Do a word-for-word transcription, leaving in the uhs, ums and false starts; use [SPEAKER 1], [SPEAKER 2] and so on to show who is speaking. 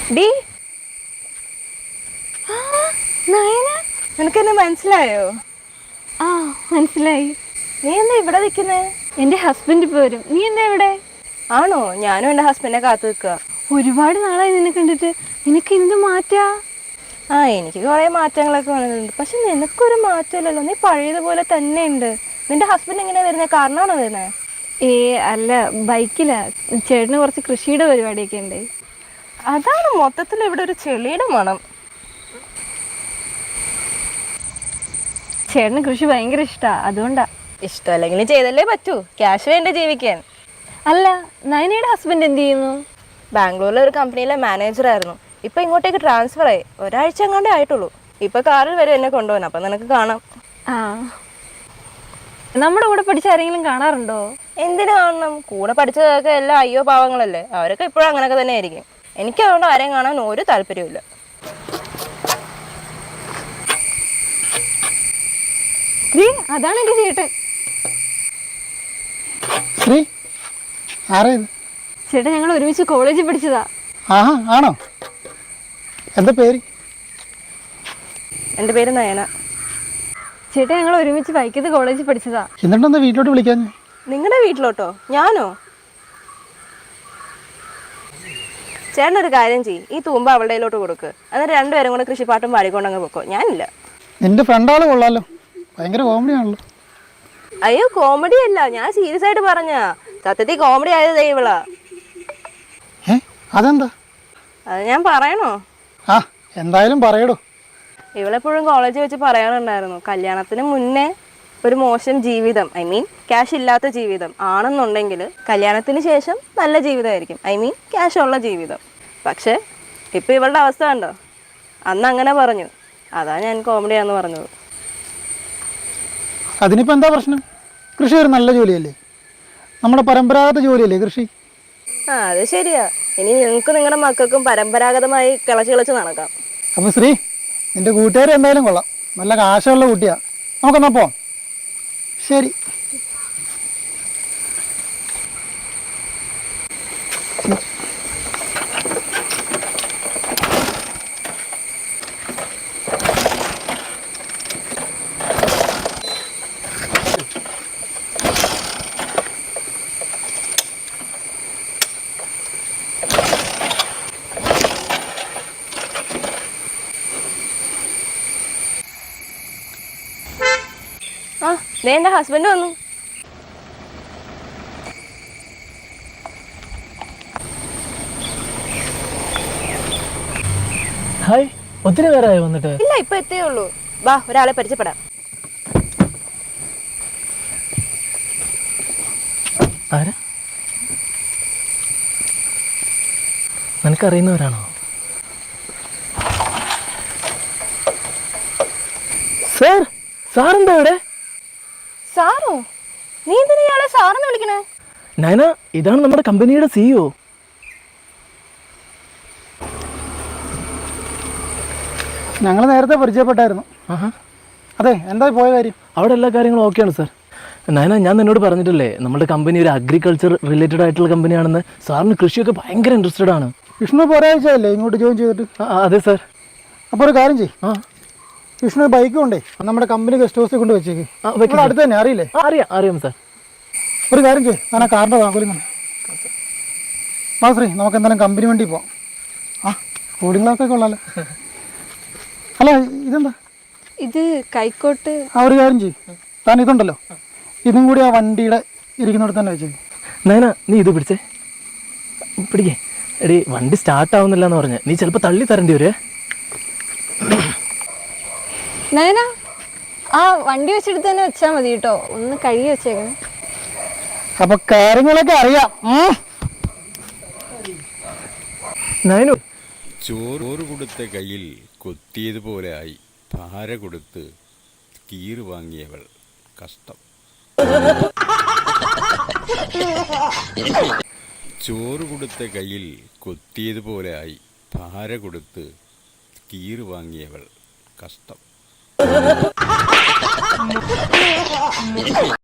[SPEAKER 1] D Nayana, നിനക്കെന്നെ മനസ്സിലായോ?
[SPEAKER 2] ആ മനസ്സിലായി.
[SPEAKER 1] നീ എന്താ ഇവിടെ നിൽക്കുന്നേ?
[SPEAKER 2] എൻ്റെ ഹസ്ബൻഡ് ഇപ്പോൾ വരും. നീ എന്താ ഇവിടെ?
[SPEAKER 1] ആണോ? ഞാനും എൻ്റെ ഹസ്ബൻഡിനെ കാത്തു നിൽക്കുക.
[SPEAKER 2] ഒരുപാട് നാളായി നിന്നെ കണ്ടിട്ട്. നിനക്ക് എന്ത് മാറ്റാ?
[SPEAKER 1] ആ എനിക്ക് കുറേ മാറ്റങ്ങളൊക്കെ വന്നിട്ടുണ്ട്. പക്ഷെ നിനക്കൊരു മാറ്റമില്ലല്ലോ, നീ പഴയതുപോലെ തന്നെ ഉണ്ട്. നിന്റെ ഹസ്ബൻഡ് എങ്ങനെയാ വരുന്നത്? കാരണമാണോ വരുന്നത്?
[SPEAKER 2] ഏ അല്ല, ബൈക്കിലാ. ചേട്ടന് കുറച്ച് കൃഷിയുടെ പരിപാടിയൊക്കെ ഉണ്ട്.
[SPEAKER 1] അതാണ് മൊത്തത്തിൽ ഇവിടെ ഒരു ചെളിയുടെ മണം.
[SPEAKER 2] ചേട്ടന് കൃഷി ഭയങ്കര ഇഷ്ടമാണ്, അതുകൊണ്ടാ.
[SPEAKER 1] ഇഷ്ടമല്ലെങ്കിലും ചെയ്തല്ലേ പറ്റൂ, ക്യാഷ് വേണ്ടേ ജീവിക്കാൻ.
[SPEAKER 2] അല്ല, നയനയുടെ ഹസ്ബൻഡ് എന്ത് ചെയ്യുന്നു?
[SPEAKER 1] ബാംഗ്ലൂരിലെ ഒരു കമ്പനിയിലെ മാനേജറായിരുന്നു. ഇപ്പൊ ഇങ്ങോട്ടേക്ക് ട്രാൻസ്ഫർ ആയി. ഒരാഴ്ച എങ്ങാണ്ടേ ആയിട്ടുള്ളൂ. ഇപ്പൊ കാറിൽ വരും എന്നെ കൊണ്ടുപോകാൻ. അപ്പൊ നിനക്ക് കാണാം.
[SPEAKER 2] ആ, നമ്മുടെ കൂടെ പഠിച്ച ആരെങ്കിലും കാണാറുണ്ടോ?
[SPEAKER 1] എന്തിനു കാണണം? കൂടെ പഠിച്ചതൊക്കെ എല്ലാം അയ്യോ പാവങ്ങളല്ലേ. അവരൊക്കെ ഇപ്പോഴും അങ്ങനെയൊക്കെ തന്നെ ആയിരിക്കും. എനിക്ക് അതുകൊണ്ട് ആരെയും കാണാൻ ഒരു താല്പര്യമില്ല.
[SPEAKER 2] അതാണ് എന്റെ ചേട്ടൻ. ചേട്ടൻ ഞങ്ങൾ ഒരുമിച്ച് കോളേജിൽ പഠിച്ചതാ.
[SPEAKER 3] ആഹാ, ആണോ? എന്താ പേര്?
[SPEAKER 1] എൻ്റെ പേര് നയന.
[SPEAKER 2] ചേട്ടൻ ഞങ്ങൾ ഒരുമിച്ച് വൈക്കത്ത് കോളേജിൽ പഠിച്ചതാ.
[SPEAKER 3] എന്നിട്ടെന്താ വീട്ടിലോട്ട് വിളിക്കാൻ?
[SPEAKER 1] നിങ്ങളുടെ വീട്ടിലോട്ടോ? ഞാനോ? ചേട്ടനൊരു കാര്യം ചെയ്യും, ഈ തൂമ്പ അവളുടെ കയ്യിലോട്ട് കൊടുക്ക്. എന്നിട്ട് രണ്ടുപേരും കൂടെ കൃഷിപ്പാട്ടും പാടിക്കൊണ്ടങ്ങ് പൊക്കോ. ഞാനില്ല.
[SPEAKER 3] നിന്റെ ഫ്രണ്ടാള് കൊള്ളാലോ, ഭയങ്കര കോമഡി ആണല്ലോ.
[SPEAKER 1] അയ്യോ, കോമഡി അല്ല, ഞാൻ സീരിയസ് ആയിട്ട് പറഞ്ഞ. സത്യത്തിൽ കോമഡി ആയത് ഇവളാ.
[SPEAKER 3] ഏ അതെന്താ?
[SPEAKER 1] അത് ഞാൻ പറയണോ?
[SPEAKER 3] ആ എന്തായാലും പറയടോ.
[SPEAKER 1] ഇവളെപ്പോഴും കോളേജിൽ വെച്ച് പറയാനുണ്ടായിരുന്നു, കല്യാണത്തിന് മുന്നേ ഒരു മോശം ജീവിതം, ഐ മീൻ ക്യാഷ് ഇല്ലാത്ത ജീവിതം ആണെന്നുണ്ടെങ്കിൽ കല്യാണത്തിന് ശേഷം നല്ല ജീവിതമായിരിക്കും, ഐ മീൻ ക്യാഷ് ഉള്ള ജീവിതം. പക്ഷേ ഇപ്പം ഇവളുടെ അവസ്ഥ കണ്ടോ? അന്ന് അങ്ങനെ പറഞ്ഞു, അതാ ഞാൻ കോമഡിയാന്ന് പറഞ്ഞത്.
[SPEAKER 3] അതിനിപ്പോൾ എന്താ പ്രശ്നം? കൃഷി ഒരു നല്ല ജോലിയല്ലേ, നമ്മുടെ പരമ്പരാഗത ജോലിയല്ലേ കൃഷി.
[SPEAKER 1] ആ അത് ശരിയാ. ഇനി നിങ്ങൾക്ക് നിങ്ങളുടെ മക്കൾക്കും പരമ്പരാഗതമായി കിളച്ച് കിളച്ച് നടക്കാം.
[SPEAKER 3] അപ്പോൾ ശ്രീ, നിന്റെ കൂട്ടുകാർ എന്തായാലും കൊള്ളാം, നല്ല കാശുള്ള കുട്ടിയാ. നമുക്കെന്നാ പോവാം. ശരി.
[SPEAKER 1] ആ ദേ എൻ്റെ ഹസ്ബൻഡ് വന്നു.
[SPEAKER 4] ഹായ്, ഒത്തിരി നേരമായി വന്നിട്ട്?
[SPEAKER 1] ഇല്ല, ഇപ്പൊ എത്തേ ഉള്ളൂ. വാ, ഒരാളെ പരിചയപ്പെടാം.
[SPEAKER 4] ആരാ? നിനക്കറിയുന്നവരാണോ? സാർ, സാറെന്താ ഇവിടെ?
[SPEAKER 1] സാറോ? നീ എന്തിനാ ഇയാളെ സാറെന്ന് വിളിക്കണേ?
[SPEAKER 4] നയന, ഇതാണ് നമ്മുടെ കമ്പനിയുടെ സിഇഒ.
[SPEAKER 3] ഞങ്ങൾ നേരത്തെ പരിചയപ്പെട്ടായിരുന്നു.
[SPEAKER 4] ആഹാ,
[SPEAKER 3] അതെ, എന്താ പോയ കാര്യം?
[SPEAKER 4] അവിടെ എല്ലാ കാര്യങ്ങളും ഓക്കെയാണ് സാർ. നയന, ഞാൻ നിന്നോട് പറഞ്ഞിട്ടില്ലേ നമ്മുടെ കമ്പനി ഒരു അഗ്രികൾച്ചർ റിലേറ്റഡ് ആയിട്ടുള്ള കമ്പനിയാണെന്ന്. സാറിന് കൃഷിയൊക്കെ ഭയങ്കര ഇൻട്രസ്റ്റഡ് ആണ്.
[SPEAKER 3] വിഷ്ണു ഒരാഴ്ചയല്ലേ ഇങ്ങോട്ട് ജോയിൻ ചെയ്തിട്ട്?
[SPEAKER 4] അതെ സാർ.
[SPEAKER 3] അപ്പോൾ ഒരു കാര്യം ചെയ്യും,
[SPEAKER 4] ആ
[SPEAKER 3] വിഷ്ണു ബൈക്ക് കൊണ്ടേ നമ്മുടെ കമ്പനി ഗസ്റ്റ് ഹൗസിൽ കൊണ്ട് വെച്ചേക്ക്. അടുത്ത് തന്നെ അറിയില്ലേ?
[SPEAKER 4] അറിയാം അറിയാം സാർ.
[SPEAKER 3] ഒരു കാര്യം ചെയ്യും, ഞാൻ ആ കാറിൻ്റെ താക്കോലും ശ്രീ, നമുക്ക് എന്തായാലും കമ്പനി വണ്ടി പോവാം. ആ കൂളിംഗ് ഗ്ലാസ് ഒക്കെ ഉള്ളല്ലോ. അല്ല ഇതെന്താ?
[SPEAKER 2] ഇത് കൈക്കോട്ട്.
[SPEAKER 3] ആ ഒരു കാര്യം ചെയ്യും, താൻ ഇതുണ്ടല്ലോ, ഇതും കൂടി ആ വണ്ടിയുടെ ഇരിക്കുന്നിടത്ത് തന്നെ വെച്ചേക്ക്.
[SPEAKER 4] നയന, നീ ഇത് പിടിച്ചേ, പിടിക്കേ. എടി, വണ്ടി സ്റ്റാർട്ട് ആവുന്നില്ല എന്ന് പറഞ്ഞ് നീ ചിലപ്പോൾ തള്ളി തരേണ്ടി വരുവേ.
[SPEAKER 2] നയന, ആ വണ്ടി വെച്ചെടുത്ത് തന്നെ വെച്ചാൽ മതി കേട്ടോ, ഒന്ന് കഴുകി വെച്ചേക്കണേ.
[SPEAKER 3] അപ്പൊ കാര്യങ്ങളൊക്കെ അറിയാം.
[SPEAKER 4] നയനു,
[SPEAKER 5] ചോറ് കൊടുത്ത കയ്യിൽ കൊത്തിയതുപോലെ ആയി, ഭാര കൊടുത്ത് കീറ് വാങ്ങിയവൾ കഷ്ടം. ചോറ് കൊടുത്ത കയ്യിൽ കൊത്തിയതുപോലെ ആയി, ഭാര കൊടുത്ത് കീറ് വാങ്ങിയവൾ കഷ്ടം.